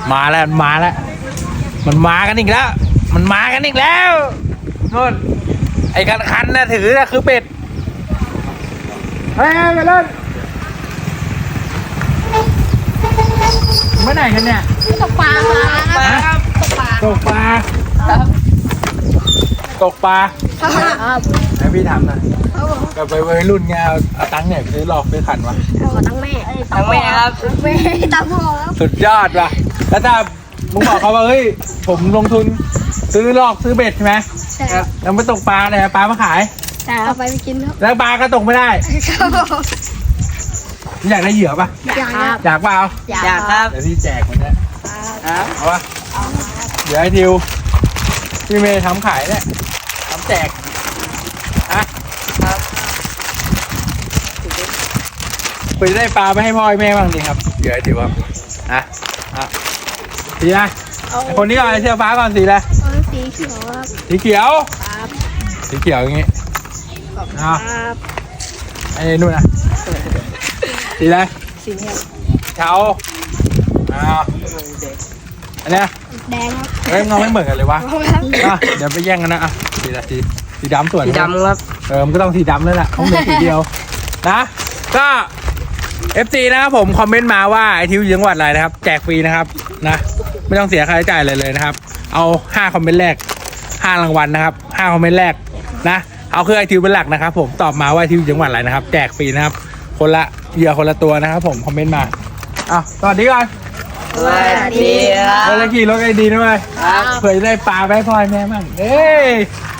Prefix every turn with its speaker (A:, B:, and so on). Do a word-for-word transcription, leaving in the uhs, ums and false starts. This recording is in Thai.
A: มาแล้วมาแล้วมันมากันอีกแล้ว มันมากันอีกแล้วนู่นไอ้คันคันนะถือนะคือเป็ดเฮ้ยไปเล่นเมื่อไหร่กันเนี่ย
B: ตกปลาครับตกปลา
A: ตกปลาตกปลา
B: ครับ
A: ให้พี่ทำนะแบบไปวัยรุ่นไงเอาเอาตังค์เนี่ยไปซื้อหลอกซื้อขันวะ
B: ขอตั้งแม่ตั้งแม่ครับแม่ตั้งพ่อครับ
A: สุดยอดว่ะแล้วถ้ามึงบอกเขาว่าเฮ้ยผมลงทุนซื้อหลอกซื้อเบ็ดใช่ไหม
B: ใช่ครับ
A: แล้วไปตกปลาเนี่ยปลามาขาย
B: แต่เอาไปไปกินครับ
A: แล้วปลาก็ตกไม่ได้ อยากได้เหยื่อปะ
B: อยากครับ
A: อยากเปล่า
B: อยากครับ
A: เดี๋ยวพี่แจกมันนะครับ เอาปะเดี๋ยวให้ทิวพี่เมย์ทำขายเนี่ยทำแจกอะครับไปได้ปลาไปให้พ่อให้แม่บ้างดิครับเดี๋ยวให้ทิวครับอ่ะอ่ะสีอะไรไอ้คนนี้ก่อนไอ้เสื้อฟ้าก่อนสีอะไร
B: เอาสีเขียวครับ
A: สีเขียว
B: ครับ
A: สีเขียวอย่างงี้เอา
B: ครับ
A: ไอ้นู่นนะสีอะไร
B: สีเขียว
A: เทาอ้าวอันเนี้ย
B: แดงครับ
A: เฮ้ยมันไม่เหมือนกันเลยวะ
B: ครับ
A: อ่ะเดี๋ยวไปแย่งกันนะอ่ะสีละสีสีดำส่วน
C: สีดำครับ
A: เออมันก็ต้องสีดำแล้วแหละเขาเหมือนสีเดียวนะก็ เอฟ ซี นะครับผมคอมเมนต์มาว่าไอทิวอยู่จังหวัดอะไรนะครับแจกฟรีนะครับนะไม่ต้องเสียค่าใช้จ่ายเลยเลยนะครับเอาห้าคอมเมนต์แรกห้ารางวัลนะครับห้าคอมเมนต์แรกนะเอาคือไอทิวเป็นหลักนะครับผมตอบมาว่าไอทิวอยู่จังหวัดอะไรนะครับแจกฟรีนะครับคนละเหยื่อคนละตัวนะครับผมคอมเมนต์มาอ้าวสวัสดีก่อน
C: สวัสดีครั
A: แล้ว
C: บ
A: ขี่รถไอดีนะเว้ย
C: ครับ
A: เผื่อจะได้ปลาไปให้พ่อให้แม่มั่งเอ้ย